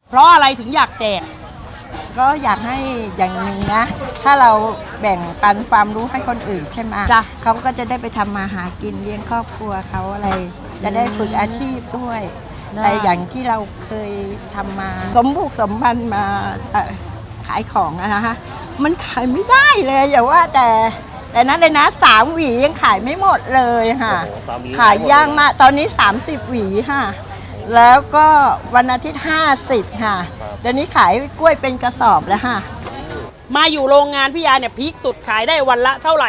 เพราะอะไรถึงอยากแจกก็อยากให้อย่างหนึ่งนะถ้าเราแบ่งปันความรู้ให้คนอื่นใช่ไหมเขาก็จะได้ไปทำมาหากินเลี้ยงครอบครัวเขาอะไรจะได้ฝึกอาชีพด้วยแต่อย่างที่เราเคยทำมาสมบุกสมบันมาขายของนะฮะมันขายไม่ได้เลยอย่าว่าแต่นั้นเลยนะ3 หวียังขายไม่หมดเลยค่ะขายยากมากตอนนี้30 หวีค่ะแล้วก็วันอาทิตย์50ค่ะเดี๋ยวนี้ขายกล้วยเป็นกระสอบแล้วค่ะมาอยู่โรงงานพี่ยาเนี่ยพีคสุดขายได้วันละเท่าไหร่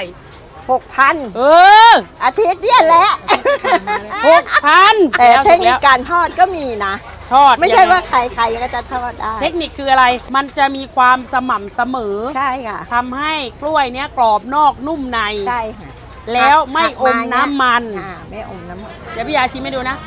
6,000อาทิตย์เนี่ยแหละ 6,000 แต่เทคนิคการทอดก็มีนะทอดไม่ใช่ว่าใครก็จะทอดได้เทคนิคคืออะไรมันจะมีความสม่ำเสมอใช่ค่ะทำให้กล้วยเนี้ยกรอบนอกนุ่มในใช่ค่ะแล้วไม่อมน้ำมันไม่อมน้ำมันเดี๋ยวพี่ยาชิมให้ดูนะ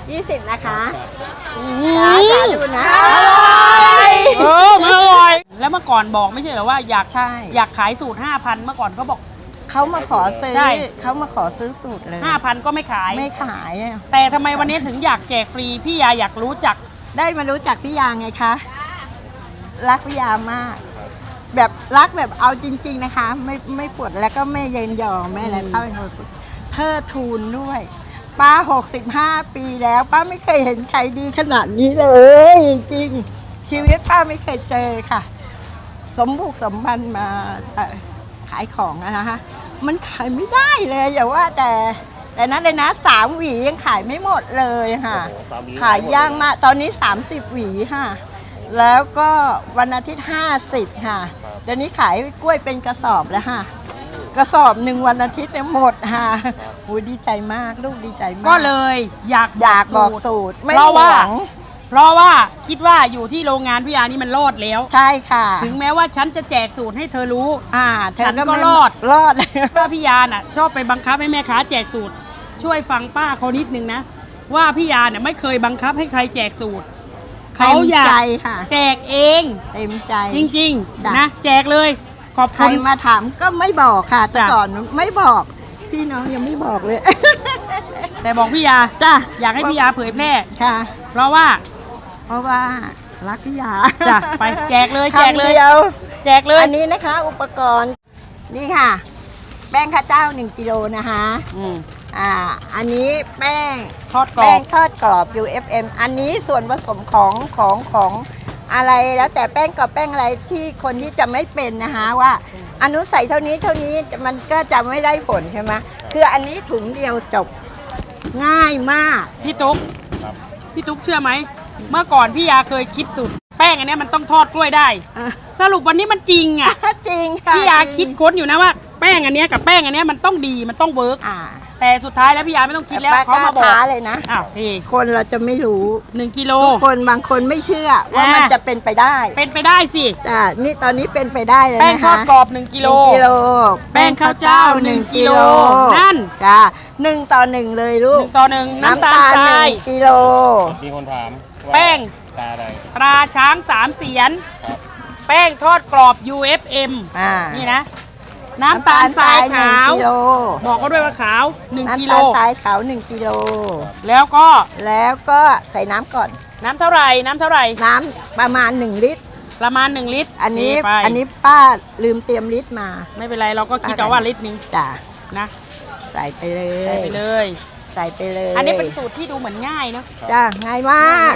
20นะคะจ้าดูนะมันอร่อยแล้วเมื่อก่อนบอกไม่ใช่เหรอว่าอยากขายสูตร 5,000 เมื่อก่อนเขาบอกเขามาขอซื้อสูตรเลย 5,000 ก็ไม่ขายแต่ทำไมวันนี้ถึงอยากแจกฟรีพี่ยาอยากรู้จักได้มารู้จักพี่ยาไงคะรักพี่ยามากแบบรักแบบเอาจริงๆนะคะไม่ปวดแล้วก็ไม่เย็นยอไม่อะไรป้าเป็นคนเทิดทูนด้วยป้า65 ปีแล้วป้าไม่เคยเห็นใครดีขนาดนี้เลยจริงๆชีวิตป้าไม่เคยเจอค่ะสมบุกสมบันมาขายของนะฮะมันขายไม่ได้เลยอย่าว่าแต่นั้นเลยนะ3 หวียังขายไม่หมดเลยค่ะขายยากมากตอนนี้30 หวีค่ะแล้วก็วันอาทิตย์50ค่ะเดี๋ยวนี้ขายกล้วยเป็นกระสอบแล้วค่ะกระสอบ1วันอาทิตย์เนี่ยหมดค่ะโอ้ดีใจมากลูกดีใจมากก็เลยอยากบอกสูตรไม่หวังเพราะว่าคิดว่าอยู่ที่โรงงานพี่ยานี่มันรอดแล้วใช่ค่ะถึงแม้ว่าฉันจะแจกสูตรให้เธอรู้ฉันก็รอดว่าพี่ยาน่ะชอบไปบังคับให้แม่ค้าแจกสูตรช่วยฟังป้าเขานิดนึงนะว่าพี่ยาเนี่ยไม่เคยบังคับให้ใครแจกสูตรเขาอยากแจกเองเต็มใจจริงๆนะแจกเลยขอบคุณใครมาถามก็ไม่บอกค่ะแต่ก่อนไม่บอกพี่น้องยังไม่บอกเลยแต่บอกพี่ยาจ้ะอยากให้พี่ยาเผยแพร่ค่ะเพราะว่ารักพี่ยาจ้ะไปแจกเลยแจกเลยอันนี้นะคะอุปกรณ์นี่ค่ะแป้งข้าวเจ้า1 กิโลนะคะอันนี้แป้งทอดกรอบ UFM อันนี้ส่วนผสมของอะไรแล้วแต่แป้งกับแป้งอะไรที่คนที่จะไม่เป็นนะคะว่าอนุใส่เท่านี้มันก็จะไม่ได้ผลใช่ไหมคืออันนี้ถุงเดียวจบง่ายมากพี่ตุ๊กเชื่อไหมเมื่อก่อนพี่ยาเคยคิดสูตรแป้งอันนี้มันต้องทอดกล้วยได้สรุปวันนี้มันจริงอ่ะจริงค่ะพี่ยาคิดค้นอยู่นะว่าแป้งอันนี้กับแป้งอันนี้มันต้องดีมันต้องเวิร์กแต่สุดท้ายแล้วพี่ยาไม่ต้องคิดแล้วเขามาบอกเลยนะพี่คนเราจะไม่รู้ 1 กิโลคนบางคนไม่เชื่อว่ามันจะเป็นไปได้สินี่ตอนนี้เป็นไปได้เลยนะคะแป้งทอดกรอบ1 กิโลแป้งข้าวเจ้า1 กิโลนั่นจ้า1 ต่อ 1เลยลูก 1 ต่อ 1น้ำตาลทราย 1 กิโลมีคนถามแป้งตราช้าง3 เสียนแป้งทอดกรอบ UFM นี่นะน้ำตาลทรายขาวบอกเขาด้วยว่าขาว1 กิโลน้ำตาลทรายขาว1 กิโลแล้วก็ใส่น้ำก่อนน้ำเท่าไหร่น้ำประมาณ1 ลิตรอันนี้ป้าลืมเตรียมลิตรมาไม่เป็นไรเราก็คิดเอาว่าลิตรนึงจ้ะนะใส่ไปเลยอันนี้เป็นสูตรที่ดูเหมือนง่ายเนาะจ้ะง่ายมาก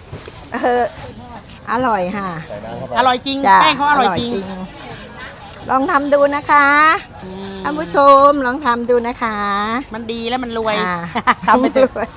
อร่อยค่ะอร่อยจริงแป้งเขาอร่อยจริงลองทำดูนะคะท่านผู้ชมลองทำดูนะคะมันดีแล้วมันรวยทำไปรวย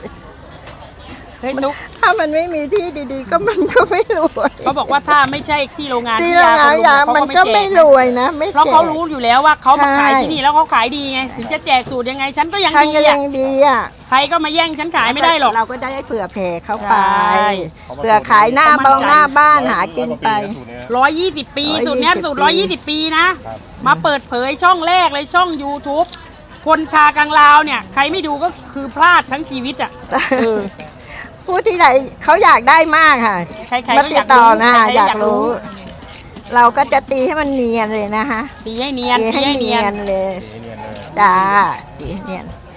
ถ้ามันไม่มีที่ดีๆก็มันก็ไม่รวยเขาบอกว่าถ้าไม่ใช่ที่โรงงานที่ยามันก็ไม่รวยนะเพราะเขารู้อยู่แล้วว่าเขามาขายที่นี่แล้วเขาขายดีไงถึงจะแจกสูตรยังไงฉันก็ยังดีอ่ะใครก็มาแย่งฉันขายไม่ได้หรอกเราก็ได้เผื่อแผ่เข้าไปเผื่อขายหน้าบ้านหากินไป 120 ปีสูตรนี้สูตร120 ปีนะมาเปิดเผยช่องแรกเลยช่อง YouTube คนชากังลาวเนี่ยใครไม่ดูก็คือพลาดทั้งชีวิตอ่ะผู้ที่ไหนเขาอยากได้มากค่ะมาติดต่อนะอยากรู้เราก็จะตีให้มันเนียนเลยนะคะตีให้เนียนเลยจ้าตีเนียน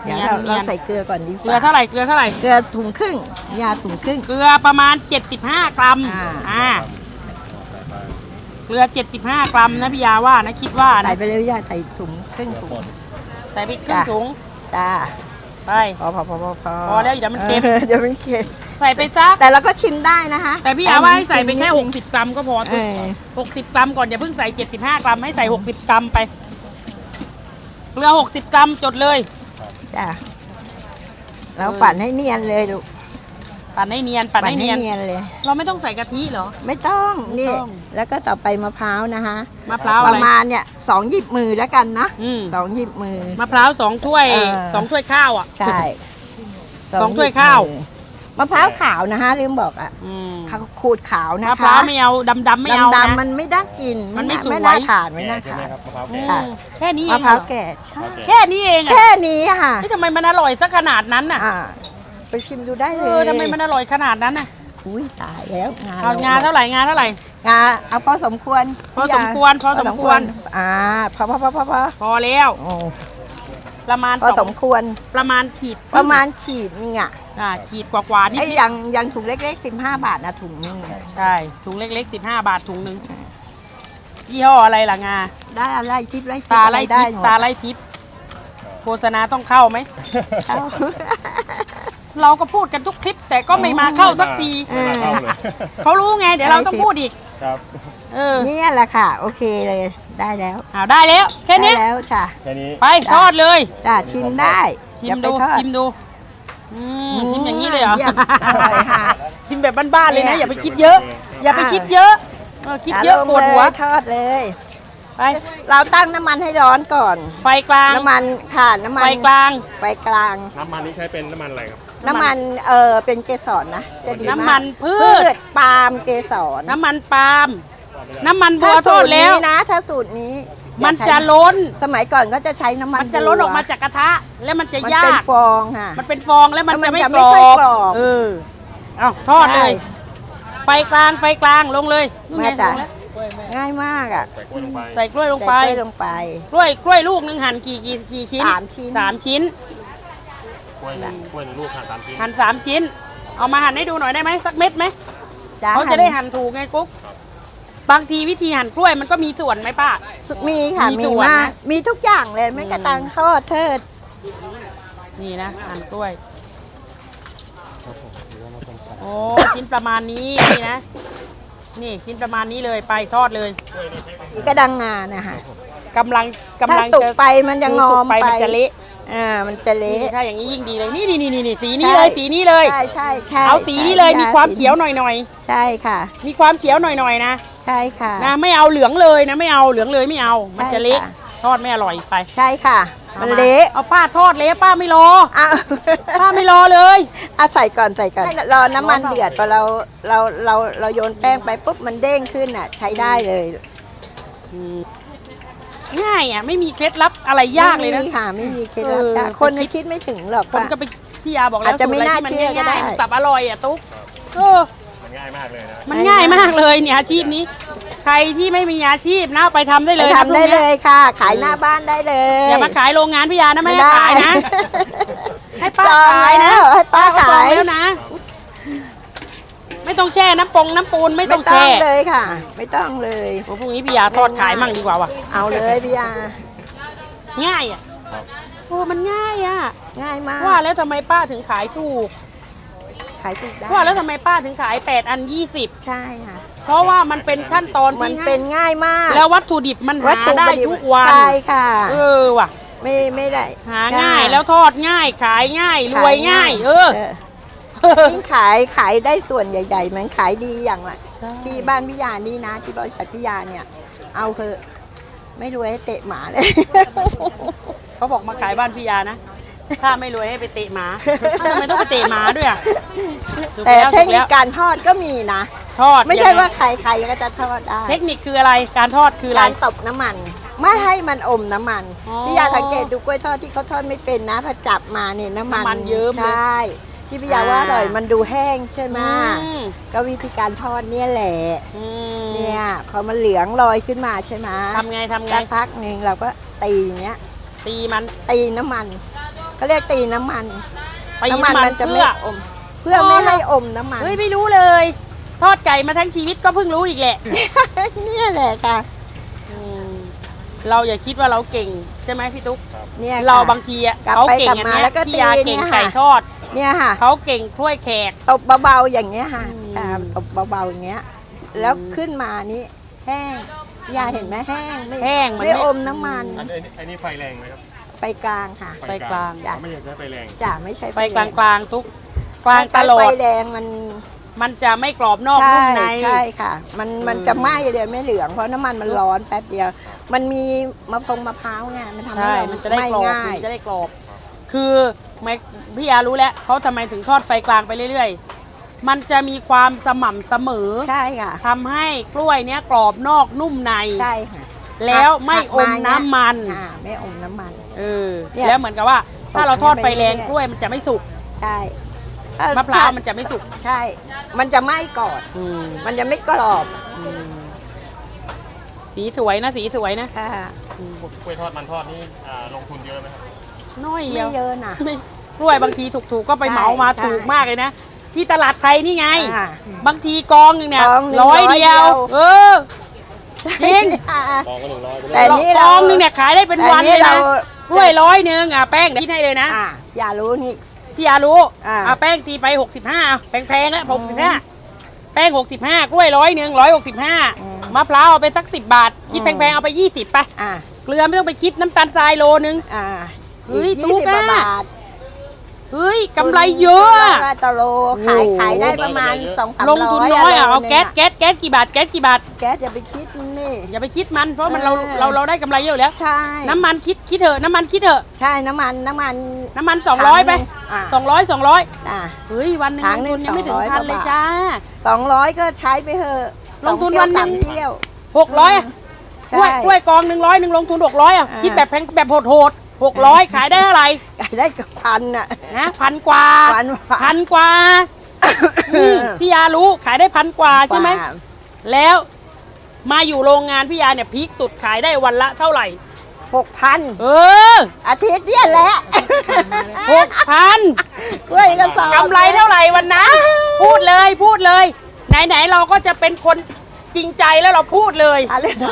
เดี๋ยวเราใส่เกลือก่อนดีกว่าเกลือเท่าไหร่เกลือเท่าไหร่เกลือถุงครึ่งยาถุงครึ่งเกลือประมาณ 75 กรัมอ่าเกลือ 75 กรัมนะพี่ยาว่านะคิดว่าใส่นะไปเลยยาใส่ถุงครึ่งถุงใส่ไปครึ่งถุงจ้าไปพอพอแล้วเดี๋ยวมันเค็มเดี๋ยวมันเค็มใส่ไปซักแต่เราก็ชิมได้นะคะแต่พี่ยาว่าให้ใส่ไปแค่ชิมนิดนึง 60 กรัมก็พอเออ 60 กรัมก่อนอย่าเพิ่งใส่ 75 กรัมให้ใส่ 60 กรัมไป เกลือ 60 กรัมจดเลยจ้าเราปั่นให้เนียนเลยลูกปั่นให้เนียนปั่นให้เนียนเลยเราไม่ต้องใส่กะทิเหรอไม่ต้องไม่นี่ต้องแล้วก็ต่อไปมะพร้าวนะคะมะพร้าวปอะไรระมาณเนี่ย2 หยิบมือแล้วกันนะอืม 2 หยิบมือมะพร้าว2 ถ้วย 2 ถ้วยข้าวอ่ะใช่สองถ้วยข้าวหยิบมือมะพร้าวขาวนะคะลืมบอกอ่ะอืมเขาขูดขาวนะคะมะพร้าวไม่เอาดำๆไม่เอาดำนะๆมันไม่ได้กินมันไม่สวยไม่น่าทานไม่น่าใช่ไหมทานครับมะพร้าวอืแก่มแค่นี้เอมะงพร้าวเหรอแก่ใช่แค่นี้เองอ่ะแค่นี้ค่ะนี่ทำไมมันอร่อยซะขนาดนั้นน่ะไปชิมดูได้เลเอย อทำไมมันอร่อยขนาดนั้นน่ะอุ้ยตายแล้วเอางาเท่าไหร่งาเท่าไหร่งาเอาพอสมควรพอสมควรพอสมควรพอพอแล้วโอ้ประมาณพอสมควรประมาณขีดประมาณขีดนึงอ่ะขีดกว่าๆนิดไอ้อย่างถุงเล็กๆ15 บาทนะถุงนึงใช่ถุงเล็กๆ15 บาทถุงนึงยี่ห้ออะไรล่ะงาได้อะไรทิพย์ไรตาไล่ได้ทิพย์หมดตาไล่ทิพย์โฆษณาต้องเข้าไหมเอาเราก็พูดกันทุกคลิป แต่ก็ไม่มาเข้าสักทีไม่มาเข้าเลยเขารู้ไง เดี๋ยวเราต้องพูดอีกครับเออเนี่ยแหละค่ะ โอเคเลยได้แล้วเอาได้แล้วแค่เนี้ยได้แล้วจ้ะแค่นี้ไปทอดเลยจ้ะชิมได้ชิมอย่าไปดูทอชิมดูชิมอย่างนี้เลยเหรอยี่มอร่อยค่ะชิมแบบบ้านๆเลยนะเนี่ยอย่าไปคิดเยอะ อย่าไปคิดเยอะคิดเยอะปวดหัวทอดเลยไปเราตั้งน้ำมันให้ร้อนก่อนไฟกลางน้ำมันค่ะน้ำมันไฟกลางไฟกลางน้ำมันนี้ใช้เป็นน้ำมันอะไรครับน้ำมันเป็นเกสรนะจะดีมากน้ำมันพืชปาล์มเกสรน้ำมันปาล์มน้ำมันบัถ้าวทสูอตดรแล้นี้วนะถ้าสูตรนี้มันอย่าใช้จะล้นสมัยก่อนก็จะใช้น้ำมันมันจะล้นออกมาจากกระทะ แล้วมันจะมันยาเป็นกฟองค่ะมันเป็นฟองแล้วมันจะไม่แล้วกมันรจะไม่ค่อยอบกรอบเออเอาทอดเลย ไฟกลางลงเลยนู่นมาไงจ้ะลงแล้วง่ายมากอ่ะใส่กล้วยลงไปใส่กล้วยลงไปใส่กล้วยลงไปกล้วยลูกหนึงหั่นกี่ชิ้น 3 ชิ้น 3 ชิ้นกล้วยในลูกหั่น3 ชิ้นหั่น3 ชิ้น เอามาหั่นให้ดูหน่อยได้ไหมสักเม็ดไหมจ้เขาจะได้หั่นถูกไงกุ๊กบางทีวิธีหั่นกล้วยมันก็มีส่วนไหมป้ามีค่ะมีมีส่วนมากนะมีทุกอย่างเลยไม่กระตังทอดเทิดนี่นะหั่นกล้วยโอ้ชิ้นประมาณนี้นี่นะนี่ชิ้นประมาณนี้เลยไปทอดเลยกระดังงานะคะกำลังถ้าสุกไปมันจะงอมไปไปมันจะเละมันจะนี่เละถ้าอย่างนี้ยิ่งดีเลยนี่สีนี้เลยสีนี้เลยใช่ใช่ใช่เอาสีนี้เลยใช่มีความสีเขียวหน่อยใช่ค่ะๆมีความเขียวหน่อยๆนะใช่ค่ะนะไม่เอาเหลืองเลยนะไม่เอาเหลืองเลยไม่เอา มันจะเละใช่ค่ะทอดไม่อร่อยไปใช่ค่ะอามันมาเละเอาป้าทอดเละป้าไม่รออ้าวป้าไม่รอเลยเอาใส่ก่อนให้รอน้ำมันร้อนเปล่าเดือดพอเราโยนแป้งไปปุ๊บมันเด้งขึ้นอ่ะ ใช้ได้เลยง่ายอ่ะไม่มีเคล็ดลับอะไรยากเลยนะไม่มีค่ะไม่มีเคล็ดลับเออจ้ะคนคิดไม่ถึงหรอกคนว่าก็ไปพี่ยาบอกแล้วอาจจะไม่น่าสูตรเชื่อก็ะรได้ที่มันง่ายๆมันสับอร่อยอ่ะตุ๊กเออมันง่ายมากเลยนะมันง่ายมากเลยเนี่ยอาชีพนี้ ใครที่ไม่มีอาชีพนะไปทำได้ไปเลยนะทำได้พรุ่งเลนี้ยค่ะ ขายหน้าบ้านได้เลยอย่ามาขายโรงงานพี่ยานะไม่ให้ได้ขายนะ ให้ป้าจองขายนะแล้วให้ป้าก็จองขายแล้วนะ ไม่ต้องแช่น้ำปูนไม่ต้องไม่ต้อแช่งเลยค่ะ ไม่ต้องเลยโอ้พรุ่งนี้พี่ยาทอดขายมั่งดีกว่าว่ะเอาเลยพี่ยาง่ายอ่ะครับโอ้มันง่ายอ่ะง่ายมากว่าแล้วทำไมป้าถึงขายถูกขายถูกได้ว่าแล้วทำไมป้าถึงขาย8 อัน 20 ใช่ค่ะเพราะว่ามันเป็นขั้นตอนมันที่เป็นง่ายมากแล้ววัตถุดิบมันหาได้ทุกวันใช่ค่ะเออว่ะไม่ได้หาง่ายแล้วทอดง่ายขายง่ายรวยง่าย เออยิ่งขายได้ส่วนใหญ่ๆเหมือนขายดีอย่างละที่บ้านพิยานี่นะ ที่บริษัทพิยาเนี่ย เอาเถอะไม่รวยให้เตะหมาเลยเขาบอกมาขายบ้านพี่ยานะ ถ้าไม่รวยให้ไปเตะหมาทำไมต้องไปเตะหมาด้วยอ่ะถูกแต่ล้วเทคนิคถูกแล้วการทอดก็มีนะทอดไม่ใช่ยังงว่าใครๆก็จะทอดได้เทคนิคคืออะไรการทอดคืออะไรการตบน้ำมัน ไม่ให้มันอมน้ำมันอ๋อพี่ยาสังเกตดูกล้วยทอดที่เขาทอดไม่เป็นนะพอจับมาเนี่ยน้ำมันน้ำมันเยิ้มเลยใช่ที่พี่ยาว่าอร่อยมันดูแห้งใช่ไหมอืมก็วิธีการทอดเนี่ยแหละอืมเนี่ยพอมันเหลืองลอยขึ้นมาใช่ไหมทำไงสักพักหนึ่งเราก็ตีอย่างเงี้ยตีมันตีน้ำมันเขาเรียกตีน้ำมันตีน้ำมันมันจะเพื่ไม่ออม เพื่อไม่ให้อมน้ำมันเฮ้ยไม่รู้เลย ทอดไก่มาทั้งชีวิตก็เพิ่งรู้อีกแหละเนี่ยแหละค่ะอืมเราอย่าคิดว่าเราเก่งใช่ไหมพี่ตุ๊กเนี่ยค่ะเราบางทีอ่ะกลับเขาไปเก่งกลับอันมาเนี้ยแล้วก็พี่ยาตีเก่งเนี่ยไก่ค่ะทอดเนี่ยค่ะเขาเก่งถ้วยแขกตบเบาๆอย่างเงี้ยค่ะอืมตบเบาๆอย่างเงี้ย แล้วขึ้นมานี้แห้งยาเห็นไหมแห้งแห้งมันไม่อมน้ำมันอันนี้ไฟแรงไหมครับไปกลางค่ะไฟกลางจ้ะไม่อยากได้ไฟแรงจ้ะไม่ใช่ไปกลางๆทุกกลางตถ้าลอไฟดแดงมันมันจะไม่กรอบนอกใช่นุ่มในใช่ค่ะ มันจะไหม้เลยไม่เหลืองเพราะน้ำมันมันร้อนแป๊บเดียว มันมีมะพร้าวไงมันทำให้ใช่เรามันจะได้ไหม้กรอบง่ายมันจะได้กรอบ คือไม่พี่ยารู้แล้วเขาทำไมถึงทอดไฟกลางไปเรื่อยๆ มันจะมีความสม่ำเสมอใช่ค่ะทำให้กล้วยเนี้ยกรอบนอกนุ่มในใช่ค่ะแล้วไม่อมน้ำมันไม่อมน้ำมันเออเนี่ยแล้วเหมือนกับว่า ถ้าเราทอดไฟแรงไปเรื่อยๆกล้วยมันจะไม่สุกใช่มะพร้าวมันจะไม่สุกใช่ มันจะไหม้ก่อนอืมมันจะไม่กรอบอืมสีสวยนะสีสวยนะค่ะอืมกล้วยทอดมันทอดนี่ลงทุนเยอะไหมครับน้อยเดีไม่ยวเยอะนะไม่กล้วยบางทีถูกๆก็ไปเหมามาใช่ถูกมากเลยนะ ที่ตลาดไทยนี่ไงอ่าบางทีกองหนึ่งเนี่ยกองหนึ่งร้อยเดียว 100 เออ จริงกองก็100ไปแต่เลยนี่กเราองหนึ่งเนี่ยขายได้เป็นวันเลยนะแต่กล้วย100อ่ะแป้งคิดให้เลยนะอย่ารู้นี่พี่อารู้อ่าแป้งตีไป65แพงๆแล้ว65แป้ง65กล้วย165มะพร้าวเอาไปสัก10 บาท คิดแพงๆเอาไป20ไปอ่าเกลือไม่ต้องไปคิดน้ำตาลทรายโลนึงอ่าเฮ้ยอีกตุ๊ก 20 อะบาทเฮ้ยกำไรเยอะอะแล้วก็ตะโลขายได้ประมาณ2-300 ลงทุนน้อยอ่ะเอาโลนึงแก๊สกี่บาทแก๊สกี่บาทแก๊สอย่าไปคิดนี่อย่าไปคิดมันเพราะมันเออเราได้กำไรเยอะอยู่แล้วใช่น้ำมันคิดเถอะน้ำมันคิดเถอะใช่น้ำมันน้ำมัน200ไปอ่า 200 อ่าเฮ้ยวันหนึงถัลงงหนึ่ทุงนยังไม่ถึง 200 พันเลยกว่าบาทจ้า 200ก็ใช้ไปเถอะลงทุน 2 วันหนึ่ง 3 เที่ยว 600อ่ะใช่กล้วยกอง100ลงทุน600อ่ะอ่าคิดแบบแพงแบบโหด600ขายได้เท่าไหร่ได้กับพันอ่ะนะ1,000 กว่าพันกว่าพี่ยารู้ขายได้1,000 กว่าใช่ไหมแล้วมาอยู่โรงงานพี่ยาเนี่ยพีคสุดขายได้วันละเท่าไหร่ 6,000 เอออาทิตย์เนี่ยแหละ 6,000 กล้วยกระสอบกำไรเท่าไหร่วันนั้นพูดเลยไหนเราก็จะเป็นคนจริงใจแล้วเราพูดเลยอะไรนะ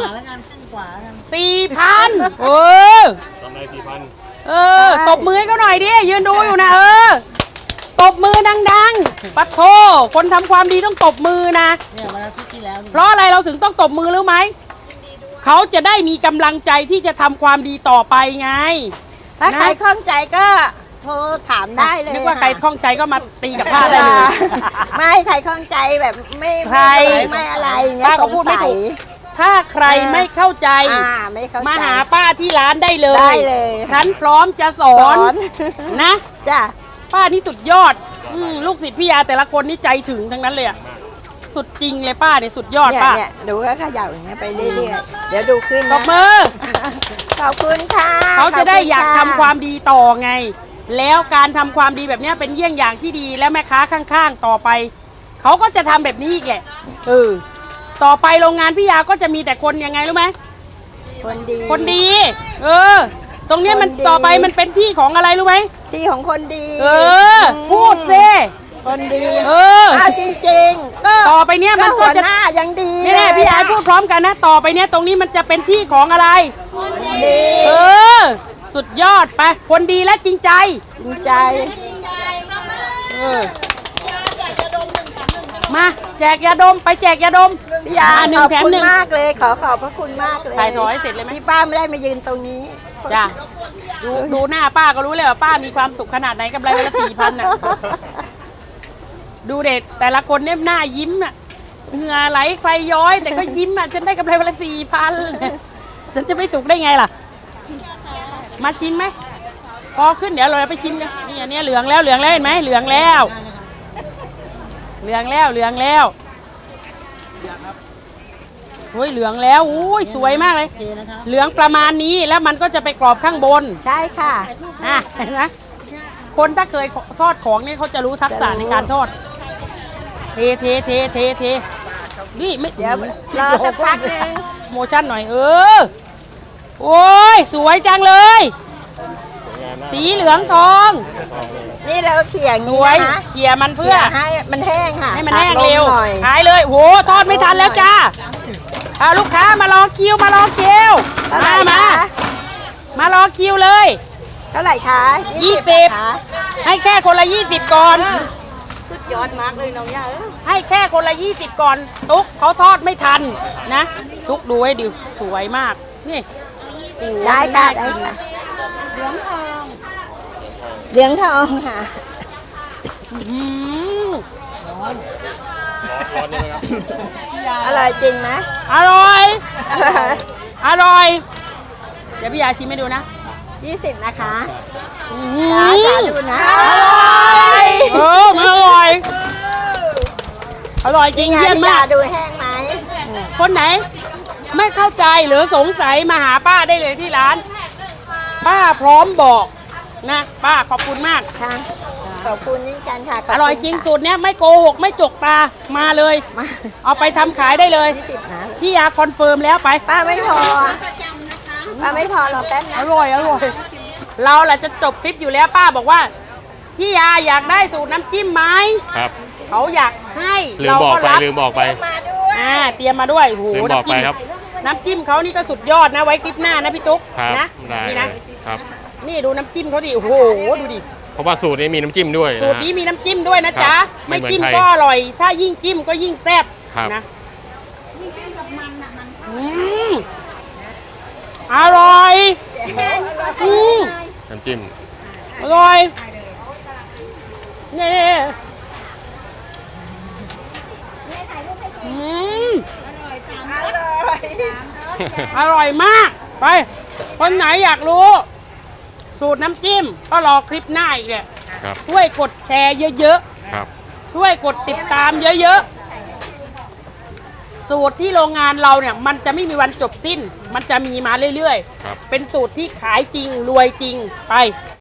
4,000เออกำไร4,000 เออตบมือให้เขาหน่อยดิยืนดูอยู่นะตบมือดังๆปัดโทคนทำความดีต้องตบมือนะเนี่ยวันอาทิตย์ที่แล้วเพราะอะไรเราถึงต้องตบมือรู้ไหมเขาจะได้มีกำลังใจที่จะทำความดีต่อไปไงถ้าใครข้องใจก็โทรถามได้เลยนึกว่าใครคล่องใจก็มาตีกับผ้าได้เลยไม่ใครข้องใจแบบไม่ใครไม่อะไรอย่างเงี้ยป้าก็พูดไม่ถูก ถ้าใครไม่เข้าใจไม่เข้าใจมาหาป้าที่ร้านได้เลยได้เลยฉันพร้อมจะสอน นะจ้ะป้านี่สุดยอดลูกศิษย์พี่ยาแต่ละคนนี่ใจถึงทั้งนั้นเลยอะสุดจริงเลยป้าเนี่ยสุดยอดเนี่ยป้าเนี่ยดูก็เขย่าอย่างเงี้ยไปเรื่อยๆเดี๋ยวดูขึ้นตนะบมือขอบคุณค่ะเขาจะได้ขบณอยากทำความดีต่อไง แล้วการทำความดีแบบเนี้ยเป็นเยี่ยงอย่างที่ดีและแม่ค้าข้างๆต่อไปเขาก็จะทำแบบนี้อีกแหละต่อไปโรงงานพี่ยาก็จะมีแต่คนยังไงรู้ไหมคนดีคนดี ตรงเนี้ยมันคนดีต่อไปมันเป็นที่ของอะไรรู้ไหมที่ของคนดีพูดซิคนดีเอาจริงๆก็ต่อไปเนี้ยมันก็หัวจะหน้ายังดีนี่แน่พี่ยาพูดพร้อมกันนะ ต่อไปเนี้ยตรงนี้มันจะเป็นที่ของอะไรดีสุดยอดไป คนดีและจริงใจจริงใจมาแจกยาดมไปแจกยาดมพี่ยาหนึ่ขงอบแถมคุณหนึ่งมากเลยขอบพระคุณมากเลยถ่ายซอยให้เสร็จเลยไหมที่ป้าไม่ได้มายืนตรงนี้จ้ะดูหน้าป้าก็รู้เลยว่าป้ามีความสุขขนาดไหนกำไรวันละ4,000น่ะดูเด็ดแต่ละคนเนี่ยหน้ายิ้มอ่ะเหงื่อไหลไฟย้อย แต่ก็ยิ้มอ่ะฉันได้กำไรวันละ4,000ฉันจะไม่สุขได้ไงล่ะ มาชิมไหมพอขึ้นเดี๋ยวเราไปชิมกันนี่อันนี้เหลืองแล้วเห็นไหมเหลืองแล้วโอ้ยเหลืองแล้วอุ้ยสวยมากเลยเหลืองประมาณนี้แล้วมันก็จะไปกรอบข้างบนใช่ค่ะเห็นไหมคนถ้าเคยทอดของเนี่ยเขาจะรู้ทักษะในการทอดเทนี่ไม่เดี๋ยวรอสักพักนึงโมชั่นหน่อยโอ้ยสวยจังเลยสวยงามสีเหลืองทองทองเลยนี่เราเขี่ยอย่างสนี้วยนะคะเขี่ยมันเพื่เพื่ออให้มันแห้งค่ะให้มันแห้งเร็วตัดลหน่อยขายเลยโหทอดไม่ทันแล้วจ้าลูกค้ามารอคิวเท่าไหร่มามคะมารอคิวเลยเท่าไหร่คะ 20 นะคะให้แค่คนละ20ก่อนสุดยอดมากเลยน้องย่าให้แค่คนละ20ก่อนตุ๊กเขาทอดไม่ทันนะตุ๊กดูให้ดิสวยมากนี่โอ้โหได้ค่ะได้ค่ะเหลืองทองเหลืองทองค่ะอื้อหือร้อนนี่ไหมครับอร่อยจริงไหมอร่อยอร่อยอร่อย เดี๋ยวพี่ยาชิมให้ดูนะ 20นะคะอื้อหืจ๋าอดูนะมันอร่อย อร่อยจริงนี่ไงเยี่ยมพี่มายาก ดูแห้งไหมคนไหน ไม่เข้าใจหรือสงสัยมาหาป้าได้เลยที่ร้าน ป้าพร้อมบอกนะ ป้าขอบคุณมากค่ะ ขอบคุณยิ่งกันค่ะขบอคุณร่อยจริงค่ะสูตรเนี้ยไม่โกหกไม่จกตามาเลยมาเอาไปทำขายได้เลย 20นะพี่ยาคอนเฟิร์มแล้วไปป้าไม่พอป้าไม่พอรอแป๊บนะอร่อยอร่อย เราแหละจะจบคลิปอยู่แล้วป้าบอกว่า พี่ยาอยากได้สูตรน้ำจิ้มไหมครับเขาอยากให้ลืมเราบอกก็ไปรับลืมบอกไปมาด้วยเตรียมมาด้วยโอ้โหลืมบอกไปครับน้ำจิ้มเขานี่ก็สุดยอดนะไว้คลิปหน้านะพี่ตุ๊กครับนะได้นี่เลนะยครับนี่ดูน้ำจิ้มเขาดิโอ้โหดูดิเพราะว่าสูตรนี้มีน้ำจิ้มด้วยสูตรนี้มีน้ำจิ้มด้วยนะจ๊ะครับไม่ไม่เหมือนจิ้มใครก็อร่อย ถ้ายิ่งจิ้มก็ยิ่งแซ่บครับนะอร่อยอืมน้ำจิ้มอร่อยนี่อืม อร่อยมาก ไป คนไหนอยากรู้ สูตรน้ำจิ้ม ก็รอคลิปหน้าอีกเนี่ยครับช่วยกดแชร์เยอะครับๆ ช่วยกดติดตามเยอะๆ สูตรที่โรงงานเราเนี่ยมันจะไม่มีวันจบสิ้น มันจะมีมาเรื่อยครับๆ เป็นสูตรที่ขายจริงรวยจริงไป